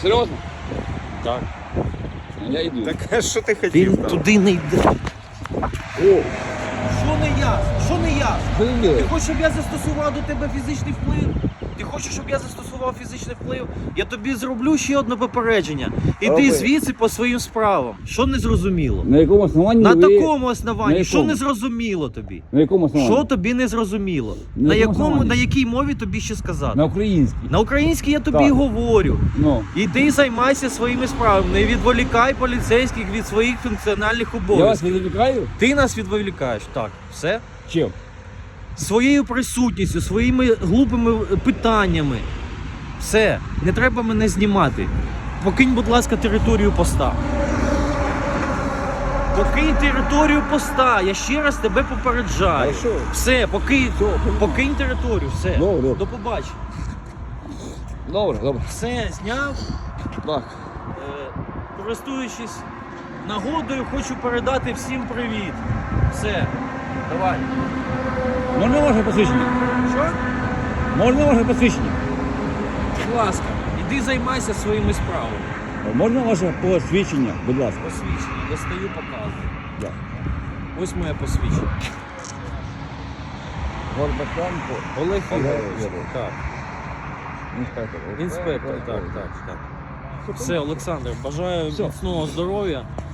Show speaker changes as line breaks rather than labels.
Серйозно?
Так.
Я йду.
Так а що ти хотів
Він
там?
туди не йде.
О,
Що не ясно? Що не ясно?
що він
Ти
робить?
хочеш, щоб я застосував до тебе фізичний вплив? Ти хочеш, щоб я застосував фізичний вплив? Я тобі зроблю ще одне попередження. Іди
Роби.
звідси по своїм справам. Що не зрозуміло?
На якому основанні
На
ви...
такому
На
основанні. Що
якому?
не зрозуміло тобі?
На якому основанні?
Що тобі не зрозуміло?
На
На
якому основанні?
на якій мові тобі ще сказати?
На українській.
На українській я тобі
Так.
говорю.
Ну.
Іди займайся своїми справами. Не відволікай поліцейських від своїх функціональних
Я вас
обов'язків.
відволікаю?
Ти нас відволікаєш. Так, все.
Чим?
Своєю присутністю, своїми глупими питаннями. Все, не треба мене знімати. Покинь, будь ласка, територію поста. Покинь територію поста. Я ще раз тебе попереджаю.
Хорошо.
Все, покинь територію, все.
Добре.
До побачення.
Добре, добре.
Все, зняв.
Так.
Користуючись нагодою, хочу передати всім привіт. Все, давай.
Можна ваше посвідчення?
Що?
Можна ваше посвідчення?
Будь ласка, іди займайся своїми справами.
Можна ваше посвідчення, будь ласка?
Посвідчення, достаю, показую.
Так.
Ось моє посвідчення.
Горбатенко.
Олег Ігорович.
Ігорович.
Так.
Інспектор.
Інспектор, так. Все, Олександр, бажаю
Все.
міцного здоров'я.